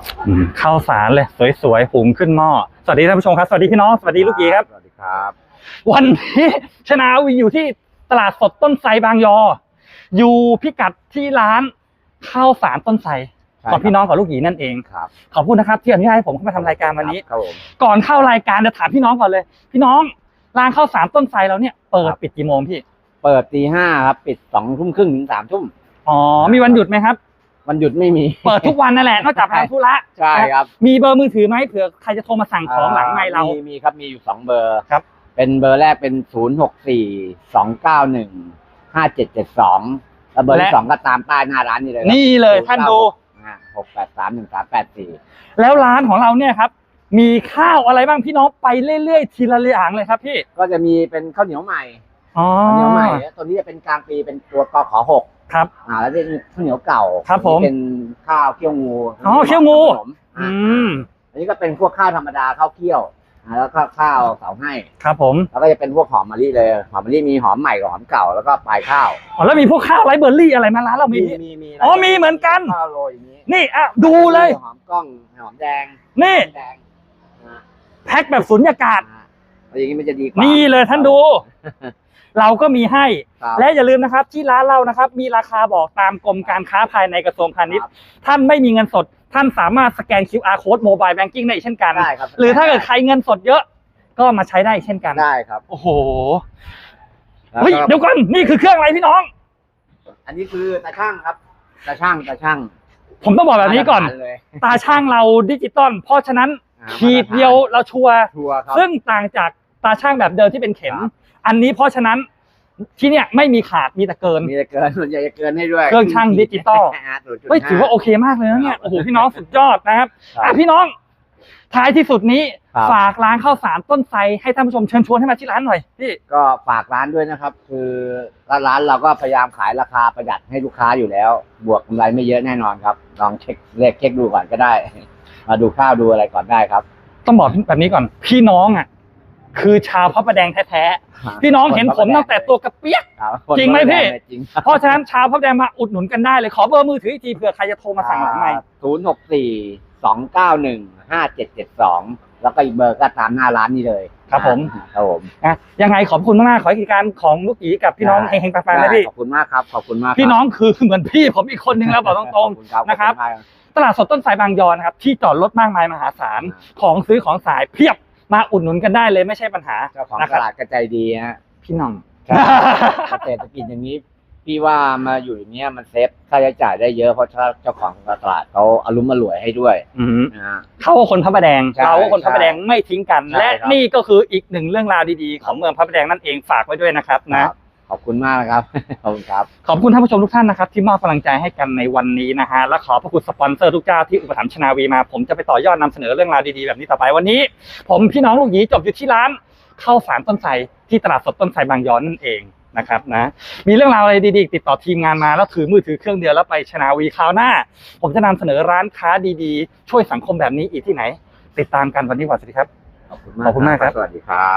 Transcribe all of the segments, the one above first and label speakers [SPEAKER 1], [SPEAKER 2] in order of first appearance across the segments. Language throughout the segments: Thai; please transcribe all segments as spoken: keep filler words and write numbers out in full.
[SPEAKER 1] ข้าวสารเลยสวยๆหุงขึ้นหม้อสวัสดีท่านผู้ชมครับสวัสดีพี่น้องสวัสดีลูกหยีครับ
[SPEAKER 2] สวัสดีครับ
[SPEAKER 1] วันนี้ชนาวีอยู่ที่ตลาดสดต้นไทรบางยออยู่พิกัดที่ร้านข้าวสารต้นไทรของพี่น้องกับลูกหยีนั่นเอง
[SPEAKER 2] ครับ
[SPEAKER 1] ขอบคุณนะครับที่อนุญาตให้ผมเข้ามาทำรายการวันนี้
[SPEAKER 2] ครับผม
[SPEAKER 1] ก่อนเข้ารายการจะถามพี่น้องก่อนเลยพี่น้องร้านข้าวสารต้นไทรเราเนี่ยเปิดปิดกี่โมงพี่
[SPEAKER 2] เปิดตีห้าครับปิดสองทุ่มครึ่งถึงสามทุ่ม
[SPEAKER 1] อ๋อมีวันหยุดไหมครับ
[SPEAKER 2] วันหยุดไม่มี
[SPEAKER 1] เปิดทุกวันนั่นแหละนอกจากทำธุระ
[SPEAKER 2] ใช่ครับ
[SPEAKER 1] มีเบอร์มือถือไหมเผื่อใครจะโทรมาสั่งของหลังไมค์เรา
[SPEAKER 2] มีมีครับมีอยู่สองเบอร์
[SPEAKER 1] ครับ
[SPEAKER 2] เป็นเบอร์แรกเป็นศูนย์หกสี่สองเก้าหนึ่งห้าเจ็ดเจ็ดสองแล้วเบอร์ที่สองก็ตามป้ายหน้าร้านนี่เลย
[SPEAKER 1] นี่เลยท่านดู
[SPEAKER 2] หกแปดสามหนึ่งสามแปดสี่
[SPEAKER 1] แล้วร้านของเราเนี่ยครับมีข้าวอะไรบ้างพี่น้องไปเรื่อยๆทีละอย่างเลยครับพี่
[SPEAKER 2] ก็จะมีเป็นข้าวเหนียวใหม่
[SPEAKER 1] อ๋อ
[SPEAKER 2] ข้าวเหนียวใหม่ตัวนี้จะเป็นกลางปีเป็นตัวกขหก
[SPEAKER 1] ครับ
[SPEAKER 2] อ่าแล้วเป็นข้าวเหนียวเก่า
[SPEAKER 1] ครับผม
[SPEAKER 2] เป็นข้าวเคี่ยวงู
[SPEAKER 1] อ๋อเคี่ยวงู
[SPEAKER 2] อืมอันนี้ก็เป็นพวกข้าวธรรมดาข้าวเคี่ยวแล้วก็ข้าวเสาให้
[SPEAKER 1] ครับผม
[SPEAKER 2] แล้วก็จะเป็นพวกหอมมะลิเลยหอมมะลิมีหอมใหม่กับหอมเก่าแล้วก็ปลายข้าว
[SPEAKER 1] อ๋อแล้วมีพวกข้าวไรเบอร์รี่อะไรมาร้านเรามี
[SPEAKER 2] มีมี
[SPEAKER 1] อ๋อมีเหมือนกัน
[SPEAKER 2] ข้าวโรยอย่างนี้
[SPEAKER 1] นี่อ่ะดูเลย
[SPEAKER 2] หอมกล้องหอมแดง
[SPEAKER 1] นี่
[SPEAKER 2] แดง
[SPEAKER 1] แพ็คแบบสุญญากาศ
[SPEAKER 2] อย่างนี้มันจะดีกว่า
[SPEAKER 1] นี่เลยท่านดูเราก็มีให้และอย่าลืมนะครับที่ร้านเรานะครับมีราคาบอกตามกรมการค้าภายในกระทรวงพาณิชย์ท่านไม่มีเงินสดท่านสามารถสแกน คิว อาร์ Code Mobile Banking ได้เช่นกันหรือถ้าเกิดใครเงินสดเยอะก็มาใช้ได้เช่นกัน
[SPEAKER 2] ได้ครับ
[SPEAKER 1] โอ้โหเฮ้ยเดี๋ยวก่อนนี่คือเครื่องอะไรพี่น้อง
[SPEAKER 2] อันนี้คือตาช่างครับตาช่างตาช่าง
[SPEAKER 1] ผมต้องบอกแบบนี้ก่อนตาช่างเราดิจิตอลเพราะฉะนั้นขีดเดียวเราชัวร์ซึ่งต่างจากตาช่างแบบเดิมที่เป็นเข็มอันนี้เพราะฉะนั้นที่เนี่ยไม่มีขาดมีแต่เกิน
[SPEAKER 2] มีแต่เกินส่วนใหญ่จะเกินให้ด้วย
[SPEAKER 1] เครื่องช่างดิจิตอลเฮ้ยถือว่าโอเคมากเลยนะเนี่ยโอ้โหพี่น้องสุดยอดนะครับอ่ะพี่น้องท้ายที่สุดนี้ฝากร้านข้าวสารต้นไทรให้ท่านผู้ชมเชิญชวนให้มาที่ร้านหน่อยพี่
[SPEAKER 2] ก็ฝากร้านด้วยนะครับคือร้านเราก็พยายามขายราคาประหยัดให้ลูกค้าอยู่แล้วบวกกำไรไม่เยอะแน่นอนครับลองเช็คเลขเช็คดูก่อนก็ได้มาดูข้าวดูอะไรก่อนได้ครับ
[SPEAKER 1] ต้องบอกแบบนี้ก่อนพี่น้องอ่ะคือชาวพระประแดงแท้ๆพี่น้องเห็นผมตั้งแต่ตัวกระเปี๊ยกจริงไหมพี่เพราะฉะนั้นชาวพระประแดงมาอุดหนุนกันได้เลยขอเบอร์มือถืออีกทีเผื่อใครจะโทรมาสั่งหลังไมค์
[SPEAKER 2] ศูนย์หกสี่สองเก้าหนึ่งห้าเจ็ดเจ็ดสองแล้วก็อีกเบอร์ก็ตามหน้าร้านนี้เลย
[SPEAKER 1] ครับผม
[SPEAKER 2] ครับผม
[SPEAKER 1] นะยังไงขอบคุณมากๆขอให้กิจการของลูกหยีกับพี่น้องเฮงๆปังๆนะพี่
[SPEAKER 2] ขอบคุณมากครับขอบคุณมาก
[SPEAKER 1] พี่น้องคือเหมือนพี่ผมอีกคนนึงแล้วบอกตรงๆนะครับตลาดสดต้นไทรบางยอนะครับที่จอดรถมากมายมหาศาลของซื้อของสายเพียบมาอุดหนุนกันได้เลยไม่ใช่ปัญหา
[SPEAKER 2] เจ้าของตลาดกระจายดีฮะ
[SPEAKER 1] พี่น้อง
[SPEAKER 2] เศรษฐกิจอย่างนี้พี่ว่ามาอยู่อย่างเงี้ยมันเซฟค่าใช้จ่ายได้เยอะเพราะเจ้าของตลาดเขาอารมณ์มารวยให้ด้วย
[SPEAKER 1] เขาคนพระประแดงเราคนพระประแดงไม่ทิ้งกันและนี่ก็คืออีกหนึ่งเรื่องราวดีๆของเมืองพระประแดงนั่นเองฝากไว้ด้วยนะครับนะ
[SPEAKER 2] ขอบคุณมากนะครับขอบคุณครับ
[SPEAKER 1] ขอบคุณท่านผู้ชมทุกท่านนะครับที่มอบกำลังใจให้กันในวันนี้นะฮะและขอพระคุณสปอนเซอร์ทุกเจ้าที่อุปถัมภ์ชนาวีมาผมจะไปต่อยอดนำเสนอเรื่องราวดีๆแบบนี้ต่อไปวันนี้ผมพี่น้องลูกหยีจบอยู่ที่ร้านข้าวสารต้นไทรที่ตลาดสดต้นไทรบางยอนั่นเองนะครับนะมีเรื่องราวอะไรดีๆติดต่อทีมงานมาแล้วถือมือถือเครื่องเดียวแล้วไปชนาวีคราวหน้าผมจะนำเสนอร้านค้าดีๆช่วยสังคมแบบนี้อีกที่ไหนติดตามกันวันนี้สวัสดีครับ
[SPEAKER 2] ขอบคุณมากขอบคุณมากครับสวัสดีครับ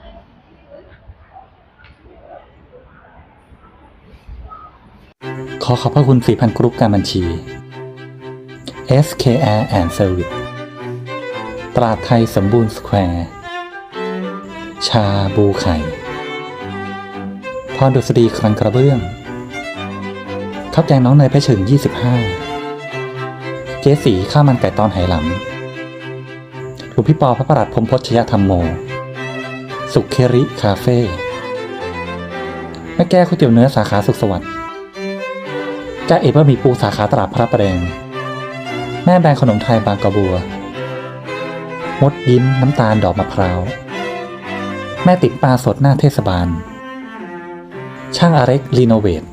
[SPEAKER 1] ขอขอบพระคุณ สี่พัน กรุ๊ปการบัญชี เอส เค อาร์ and Service ตราดไทยสมบูรณ์สแควร์ชาบูไข่พรดุษฎีคลังกระเบื้องข้าวแกงน้องเนยเพชรเฉิงยี่สิบห้าเจ๊สีข้าวมันไก่ตอนไหหลำหลวงพี่ปอพระประหลัดพรหมพจน์ชยธรรมโมสุขเคริคาเฟ่แม่แก้วก๋วยเตี๋ยวเนื้อสาขาสุขสวัสดิ์จ้าเอ๋บะหมี่ปูสาขาตลาดพระประแดงแม่แบรนด์ขนมไทยบางกระบัวมดยิ้มน้ำตาลดอกมะพร้าวแม่ติ๋มปลาสดหน้าเทศบาลช่างอาเร็กรีโนเวท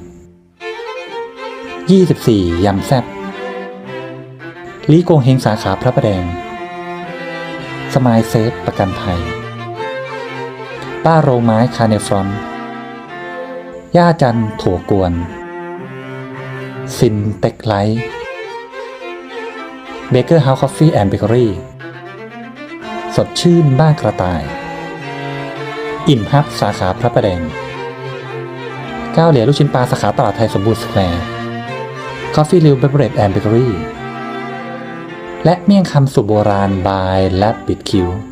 [SPEAKER 1] ยี่สิบสี่ยำแซ่บลีโกงเฮงสาขาพระประแดงสมายเซฟประกันภัยป้าโรงไม้คาเนฟรอนย่าจันถั่วกวนซินเต็กไลท์เบเกอร์เฮาส์คอฟฟี่แอนด์เบเกอรี่สดชื่นบ้านกระต่ายอิ่มฮับสาขาพระประแดงก้าวเหลียลูกชิ้นปลาสาขาตลาดไทยสมบูรณ์สแควร์คอฟฟี่ริวเบเบอเรจแอนด์เบเกอรี่และเมี่ยงคำสูตรโบราณบายและปิดคิว